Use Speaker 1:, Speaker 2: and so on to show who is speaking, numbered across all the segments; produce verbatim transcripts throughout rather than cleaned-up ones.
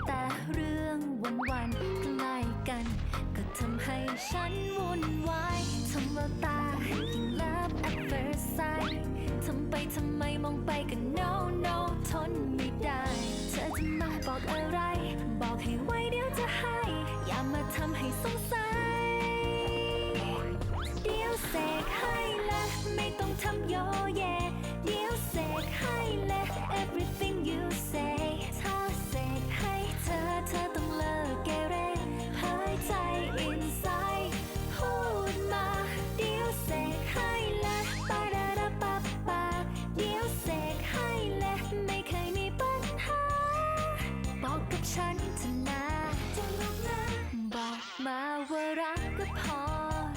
Speaker 1: แต่เรื่องวันวันๆใกล้กัน ก็ทำให้ฉันวุ่นวายทำแววตายิ่ง love at first sight ทำไปทำไมมองไปก็ no no ทนไม่ได้ เธอจะมาบอกอะไร บอกให้ไว้เดี๋ยวจะให้ อย่ามาทำให้สงสัย เดี๋ยวเสกให้และไม่ต้องทำโยเย เดี๋ยวเสกให้และ everything you say ถ้าเสกให้เธอเธอต้องเลิกเกเรหายใจ inside พูดมาเดี๋ยวเสกให้และปาดาดาปาปาเดี๋ยวเสกให้และไม่เคยมีปัญหา บอกกับฉันเถอะนะจะรักนะบอกมาว่ารักก็พอ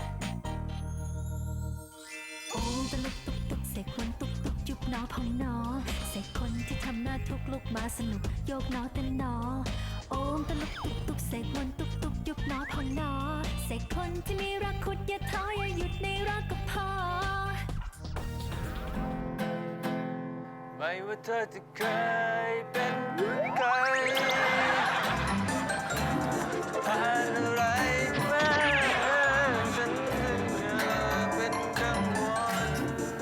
Speaker 1: โอ้ตะลุกตุกตุกเสกคนตุกตุกยุบหนอพองหนอเสกคนที่ทำหน้าทุกลุกมาสนุกโยกหนอเต้นหนอโอ้ตะลุกตุกตุกเสกคนตุกตุกยุบหนอพองหนอเสกคนที่มีรักขุดอย่าท้ออย่าหยุดในรักก็พอ
Speaker 2: ไม่ว่าเธอจะเคยเป็นใครผ่านอะไรมาฉันยังเป็นกังวล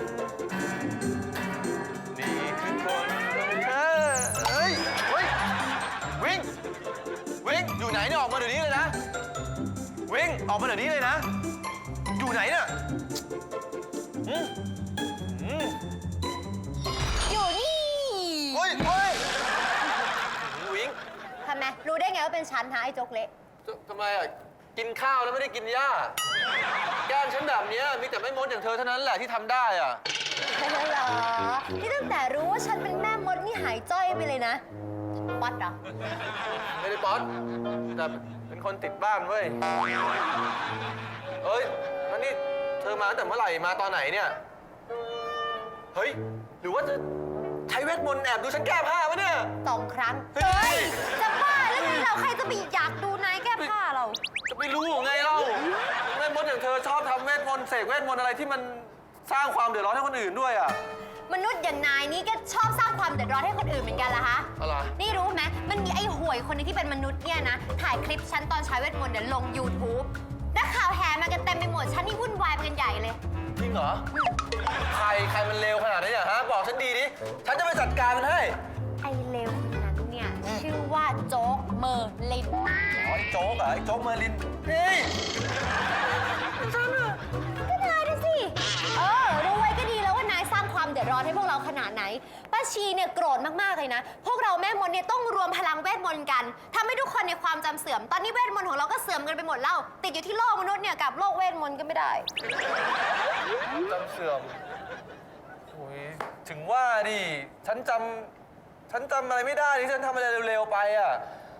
Speaker 2: นี่คือคนของเธอเฮ้ยเฮ้ยวิ่งวิ่งอยู่ไหนเนี่ยออกมาเดี๋ยวนี้เลยนะวิ่งออกมาเดี๋ยวนี้เลยนะอยู่ไหนเนี่ยอืมอืม
Speaker 3: อยู่นี่
Speaker 2: เฮ้ยเฮ้ยวิง
Speaker 3: ทำไมรู้ได้ไงว่าเป็นฉันฮะไอ้โจ๊กเละ
Speaker 2: ทำไมอ่ะ กินข้าวแล้วไม่ได้กินหญ้า แกล้งฉันแบบนี้มีแต่แม่มดอย่างเธอเท่านั้นแหละที่ทำได้อ่ะ
Speaker 3: เหรอที่ตั้งแต่รู้ว่าฉันเป็นแม่มดนี่หายจ้อยไปเลยนะป๊อตเหรอ
Speaker 2: ไม่ได้ป๊อตแต่เป็นคนติดบ้านเว้ยเอ้ยแล้วนี่เธอมาตั้งแต่เมื่อไหร่มาตอนไหนเนี่ย เฮ้ย หรือว่าจะใช้เวทมนต์แอบดูฉันแก้ผ้าวะเนี่ย
Speaker 3: สองครั้ง
Speaker 2: เฮ้ย
Speaker 3: จะบ้าหรือไงเราใครจะไปอยากดูนายแก้ผ้าเรา
Speaker 2: จะไม่รู้ไงเล่าแม่มดอย่างเธอชอบทำเวทมนต์เสกเวทมนต์อะไรที่มันสร้างความเดือดร้อนให้คนอื่นด้วยอ่ะ
Speaker 3: มนุษย์อย่างนายนี่ก็ชอบสร้างความเดือดร้อนให้คนอื่นเหมือนกันละฮะ
Speaker 2: อะไร
Speaker 3: นี่รู้ไหมมันมีไอ้ห่วยคนหนึงที่เป็นมนุษย์เนี่ยนะ ถ่ายคลิปฉันตอนใช้เวทมนต์เนี่ยลง ยูทูบ นักข่าวแห่มากันเต็มไปหมด ฉันนี่วุ่นวายไปกันใหญ่เลย
Speaker 2: จริงเหรอ ใครใครมันเลวขนาดนี้เนี่ยฮะ บอกฉันดีดิ ฉันจะไปจัดการมันให้
Speaker 3: ไอ้เลวคนนั้นเนี่ย ชื่อว่าโจ๊กเมอร์ลิน
Speaker 2: อ๋อไอ้โจ๊กเหรอไอ้โจ๊กเมอร์ลินเฮ้ย
Speaker 3: ก็นายดูสิ เออ รู้ไว้ก็ดีแล้วว่านายสร้างความเดือดร้อนให้พวกเราขนาดไหน ป้าชีเนี่ยโกรธมากๆเลยนะ พวกเราแม่มดเนี่ยต้องรวมพลังเวทมนต์กันทำให้ทุกคนในความจำเสื่อม ตอนนี้เวทมนต์ของเราก็เสื่อมกันไปหมดแล้ว ติดอยู่ที่โลกมนุษย์เนี่ยกับโลกเวทมนต์ก็ไม่ได้
Speaker 2: จำเสื่อมโอ้ยถึงว่าดิ ฉันจำ ฉันจำอะไรไม่ได้ที่ฉันทำอะไรเร็วๆไปอ่ะ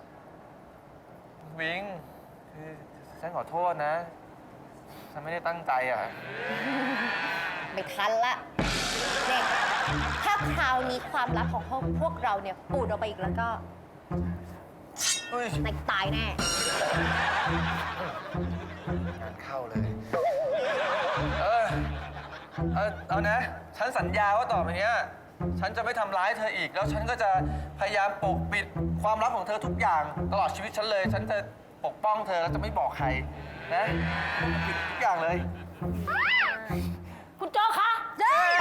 Speaker 2: วิงคือฉันขอโทษนะ ฉันไม่ได้ตั้งใจอ่ะ
Speaker 3: ไม่ทันละเนี่ยถ้าคราวนี้ความลับของพวกเราเนี่ยปูดออกไปอีกแล้วก็
Speaker 2: เฮ้ย
Speaker 3: นายตายแน่
Speaker 2: งานเข้าเลย เออ เอาเอานะ ฉันสัญญาว่าต่อไปเนี้ย ฉันจะไม่ทำร้ายเธออีก แล้วฉันก็จะพยายามปกปิดความลับของเธอทุกอย่าง ตลอดชีวิตฉันเลย ฉันจะปกป้องเธอแล้วจะไม่บอกใครนะปิดทุกอย่างเลย
Speaker 4: คุณโจ๊กคะเฮ้ย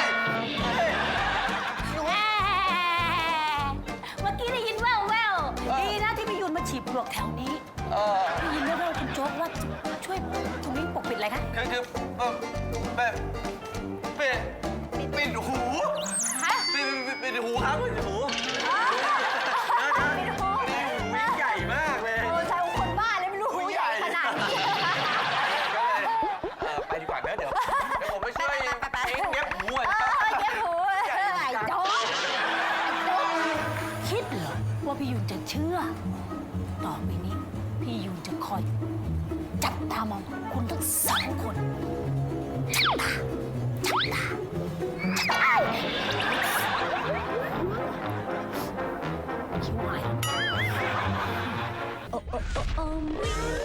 Speaker 4: เมื่อกี้ได้ยินแว่วแววๆดีนะที่พี่ยุนมาฉีบปลวกแถวนี้
Speaker 2: เออ
Speaker 4: ได้ยินแว่วๆคุณโจ๊กว่าช่วยคุณมิ้งปกปิดอะไรคะ
Speaker 2: คือคือเออแบบปิดปิดหู
Speaker 3: ฮะ
Speaker 2: ปิดปิดปิดหูครับปิดหู
Speaker 3: ไม่รู้
Speaker 2: หูใหญ่มากเลย
Speaker 3: โอ้ใช่คนบ้าเลยไม่รู้หูใหญ่ขนาดนี้
Speaker 2: ก็เลยเอ่อไปดีกว่านะเดี๋ยวเดี๋ยวผมไปช่วยเองเย็บหูอ่ะ
Speaker 3: เออเย็บหูไอ้โจ๊ก
Speaker 4: คิดเหรอว่าพี่ยุนจะเชื่อ ต่อไปนี้พี่ยุนจะคอยจับตามองคุณทั้งสองคนจับตาจับตาคิ้วหาย
Speaker 1: โอ้โอ้โอ้โอ้